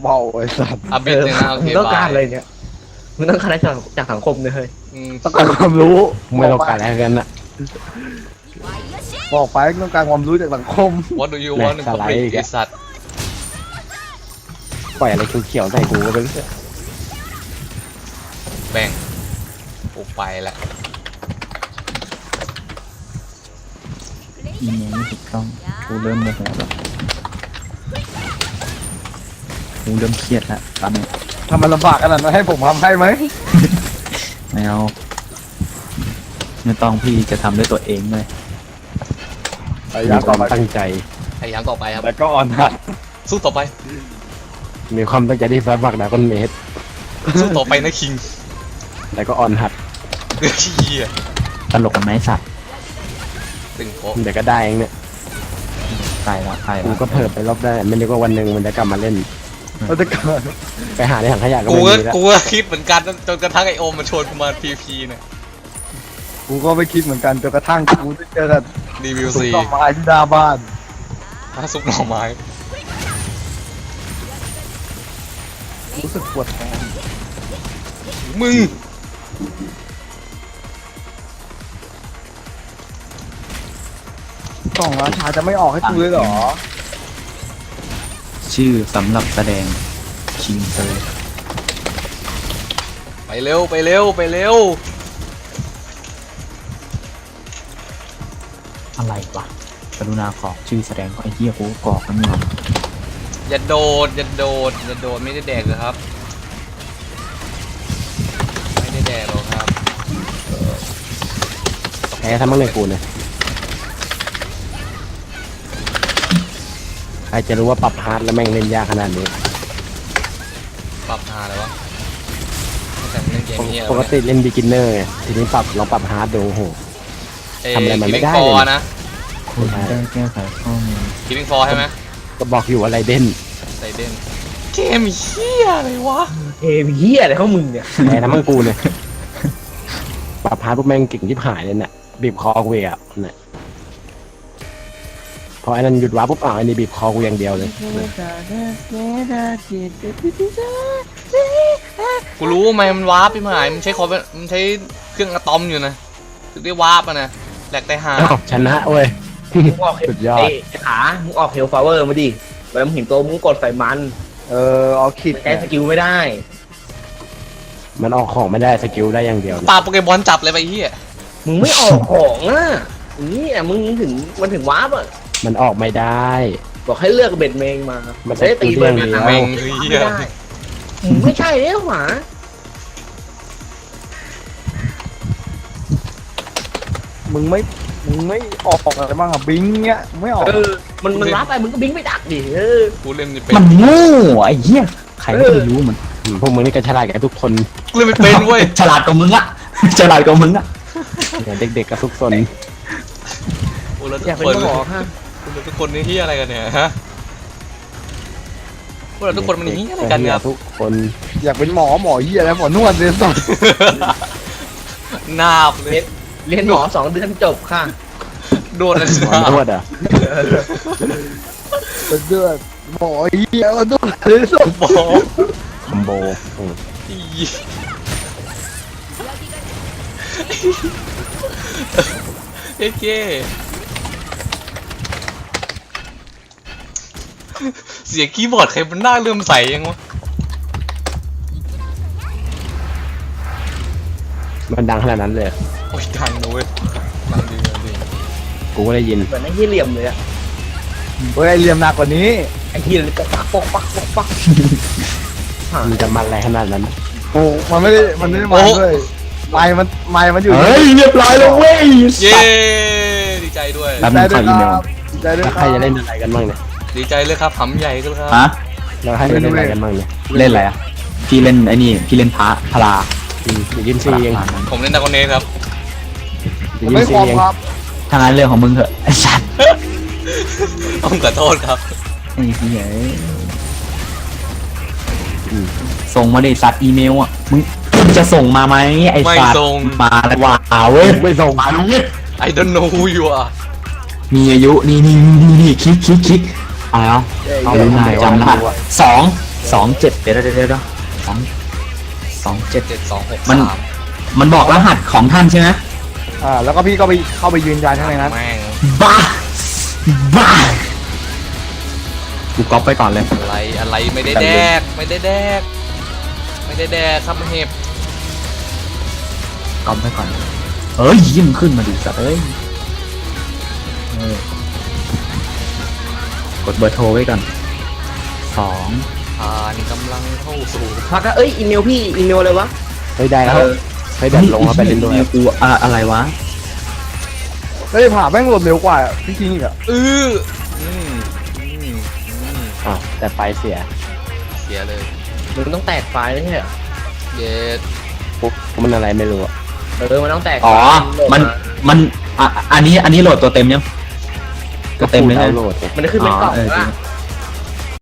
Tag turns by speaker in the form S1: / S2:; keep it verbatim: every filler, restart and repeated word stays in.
S1: เบาไอ้สัตว์
S2: อัพบิดเลยนะโอเค
S3: มึงต้องการ
S2: บาย
S3: อะไรเนี่ยมึงต้องการอะไรจากจากสังคมเนี่ยเฮ้ย
S2: อืม
S1: ต้องการความรู้
S4: ไม่ต้องการอะไรกันน่ะ
S1: บอกไปต้องการความรู้จากสังคม
S2: What do you want in public ไอสัตว์
S4: ปล่อยอะไรเขียวๆใส่กูก็ไปเรื่อย
S2: แบ่งโอ้ไปละ
S5: อีเมลไม่ถูกต้องกูเริ่มโมโหแล้วกูเริ่มเครียดแล้วตอนนี้
S1: ทำมันลำบากขนาดนั้นให้ผมทำให้ไหม
S5: ไม่เอาไม่ต้องพี่จะทำด้วยตัวเองเลย
S1: พยา
S4: มี
S1: ยาม
S4: ค
S1: ต่อ
S4: วาม
S1: ไป
S4: ตั้งใจ
S2: พยายามต่อไปครับ
S1: แต่ก็อ่อนหัด
S2: สู้ต่อไป
S4: มีความตั้งใจที่ฟ้าฝักดาก้อนเมตร
S2: สู้ต่อไปนะคิง
S4: แต่ก็อ่อนหัด
S2: เฮีย
S5: ตลกกันไหมสัตว์
S2: ตึงโป๊ะ
S4: เดี๋ยวก็ได้เองเนี่ย
S5: ตายแล้วตายแล้
S4: กู
S5: ว
S4: ก็เพิ่มไปรอบได้ไม่นึกว่าวันหนึ่งมันจะกลับมาเล่น
S1: เราจะเกิด
S4: ไปหาในถังขยะก็
S2: กู
S4: ไม่
S2: ก็
S4: มีแล้ว
S2: กูก็คิดเหมือนกันจนกระทั่งไอโอมมันชวนกูมาพีพีเนี่ย
S1: กูก็ไม่คิดเหมือนกันจนกระทั่งกูได้เจอกับ
S2: รีวิว
S1: สุ
S2: ซี
S1: ดอกไม้ที่หน้าบ้าน
S2: ซุปหน่อไม้
S1: รู้สึกปวดท้อง
S2: มึง
S1: กล่องราชาจะไม่ออกให้กูเลยเหรอ
S5: ชื่อสำหรับแสดงคิงเซอร์
S2: ไปเร็วไปเร็วไปเร็ว
S5: อะไรวะกรุณาขอชื่อแสดงก็ไอ้เหี้ยกูกรอกมันอยู่
S2: อย่าโดดอย่าโดดอย่าโดดไม่ได้แดกเลยครับ ไม่ได้แดกหรอกครับ
S4: แพ้ทั้งมั่งเลยกูเนี่ยใครจะรู้ว่าปรับฮาร์ดแล้วแม่งเล่นยากขนาดนี้
S2: ปรับหาเลยวะแต่เล่นเกมนี้
S4: ปกติเล่นบิ๊กินเนอร์ไงทีนี้ปรับลองปรับฮาร์ดดูโอ้โห ทำอะไรมันไม่ได้
S2: ฟ
S4: เลย
S2: อร์นะ
S5: คุณได้แก้ไขข้อมูล
S2: คิดฟอร์ใช่ไหม
S4: ก็บอกอยู่อะไรเด่น
S2: ไซเดนเกมเฮียอะไรวะ
S3: เฮ้ยเฮียอะไรของมึงเนี่ย
S4: แพ้ทั้งมั่งกูเนี่ยปรับฮาร์ดพวกแม่งเก่งที่หายเลยเนี่ยบีบคอกูอ่ะเนี่ยพอไอ้นั่นหยุดว้าปุ๊บอ่ะไอ้นี่บีบคอกูอย่างเดียวเลย
S2: กูรู้ไหมมันวาร์ปไปหายมันใช้คอมมันใช้เครื่องอะตอมอยู่นะถึงได้วาร์ปอะนะแหลกแต่หา
S4: อ้าวชนะเว้ย
S3: มึงออก
S4: สุดยอด
S3: ไอ้ขามึงออกเฮลฟลาเวอร์มาดิเวลามึงเห็นตัวมึงกดใส่มัน
S1: เออเอาคิด
S3: ใช้สกิลไม่ได้
S4: มันออกของไม่ได้สกิลได้อย่างเดียว
S2: ปาโปเกมอนจับเลยไปเฮีย
S3: มึงไม่ออกของอ่ะนี่อ่ะมึงถึงมันถึงวาร์ปอ่ะ
S4: มันออกไม่ได้
S3: บอกให้เลือกเบ็ดเมงมา
S4: มัน
S3: จะได้ตีเบ็ดเมง
S4: เดี๋ยว
S2: แม่งเฮี
S3: ไม่
S2: ย
S3: ได้มึงไม่ใช่แล้วหมา
S1: มึงไม่มึงไม่ออกอะไรบ้างอ่ะบิงเงี้ยไม่ออก
S3: เออมันมันวาร์ปไปมึงก็บิงไปดักดิเออ
S2: กูเล่นไม่เป็น
S5: มันโง่ไอ้เหี้ยใครก็ไม่รู้มัน
S4: อืมพวกมึงนี่ก็ฉลาดกันทุกคน
S2: กูเล่นไม่เป็นเว้ย
S5: ฉลาดกว่ามึงอะฉลาดกว่ามึงอะ
S4: เนี่ยเด็กๆกับทุกซน
S2: โอ้แล้วทุ
S3: อยาก
S2: ก
S3: เป็น
S2: คน
S3: หมอฮะ
S2: คุณทุกคนนี่เฮียอะไรกันเนี่ยฮะพวกเราทุกคนมันเฮียอะไรกันเนี่ย
S4: ทุกคน
S1: อยากเป็นหมอหมอเหี้ยแล้วหมอนวดเลยสัส
S2: นาบเลย
S3: เรียนหมอสองเดือนจบค่ะ
S2: โดนอะไร
S4: หมอ
S2: นาบ
S4: นวดอ่ะ
S1: เป็นเดือดหมอเหี้ยมันนวดเลยสัส
S2: บอก
S4: คอมโบอืม
S2: อีเอ๊ะเก้เสียงคีย์บอร์ดใครมันน่าเลื่อมใสยังวะ
S4: มันดังขนาดนั้นเลย
S2: โอ้ยดังนะเว้ยดังดีดังดี
S4: กูก็ได้ยิน
S3: เหมือนไอ้เหี้ยเหลี่ยมเลยอะ
S1: เฮ้ยเหลี่ยมหนักกว่านี้
S3: ไอ้เหี้ยเลยปักปักปักปักปัก
S4: มันจะมันอะไรขนาดนั้น
S1: โอ้มันไม่ได้มันไม่ได้มาด้วยไม้มันไม้มันอยู่
S5: เฮ้ยเรียบร้อยแล้วเว้ย
S2: เย้ดีใจด้วย
S5: แล้วมึงขออีเมล
S1: ใจด้วย
S4: แล้ว
S1: ค
S4: ใคร
S1: รับ
S4: จะเล่นอะไรกันบ้างเนี่ย
S2: ดีใจเลยครับหำใหญ่ก็ครับ
S5: ฮะ
S4: แล้วใครจะเล่นอะไรกันบ้างเนี่ย
S5: เล่นอะไรอะพี่เล่นไอ้นี่พี่เล่นพระพลา
S4: อืมเดี๋ยวยินซีเอง
S5: พลานั้น
S2: ผมเล่นดากอนเนสครับ
S4: เดี๋ยว
S1: ไม่
S4: ยินซี
S1: คอม
S4: เอง
S1: ครับ
S5: ทางนั้นเรื่องของมึงเถอะไอ้สัตว์
S2: ต้องขอโทษครับ
S5: ไอ้เหี้ย
S4: อืม
S5: ส่งมาดิสัตว์อีเมลอ่ะมึงมึงจะส่งมาไหมไอ้
S2: ไม่
S5: สัตว์
S2: ส่ง
S5: มาแล้วว้าวเว้ย
S4: ไม่ส่ง
S5: มาแล้วเว้ย
S2: I don't know who you are
S5: มีอายุนี่นี่นี่นี่คลิกคลิกคลิกอะไรอ่ะเอา
S4: เอา
S5: ดู
S4: ไห
S5: ห
S4: น
S5: น่อย
S4: จำ
S5: จำ
S4: ได้
S5: ได้สองสองเจ็ดเดี๋ยวเดี๋ยวเดี๋ยวสองสองเจ็ด
S2: เจ็ดสองหก
S5: มัน
S2: สาม
S5: มันบอกรหัสของท่านใช่ไหม
S1: อ่าแล้วก็พี่ก็ไปเข้าไปยืนยันข้างในนั้น
S2: แม่ง
S5: บ้าบ้ากูก๊อปไปก่อนเลย
S2: อะไรอะไรไม่ได้แดกไม่ได้แดกไม่ได้แดกครับเห็บ
S5: ก๊อปไปก่อนเอ้ยยิ้มขึ้นมาดิสัตว์เอ้ยเออกดเบอร์โทรไว้ก่อนสอง
S2: ผ่านกำลังเข้าสู่
S3: พักอะเอ้ยอีเมลพี่อีเมลอะไรวะ
S4: เฮ้ยได้แล้วเฮ้ยแบตลงแล้วไปเล่นด้วย
S5: กูอะอะไรวะ
S1: แล้วไอ้ผ่าแม่งโหลดเร็วกว่าพี่คิงอีกอะ
S2: อืออืมอืมอืม
S4: อ้าวแต่ไฟเสีย
S2: เสียเลย
S3: มึงต้องแตกไฟล์ไม่ใช่เหรอ
S2: เย็ด
S4: ปุ๊บมันอะไรไม่รู้อะ
S3: เออมันต้องแตก
S5: อ๋อ
S3: ไฟล์
S5: มันมันอ่ะอันนี้อันนี้โหลดตัวเต็มยังตัวเต็มเลย
S4: ดา
S5: นะ
S4: วน์โหลด
S3: มันจะขึ้นเป็นกล่อง
S5: อ๋อเออ
S3: ว่า
S5: จริง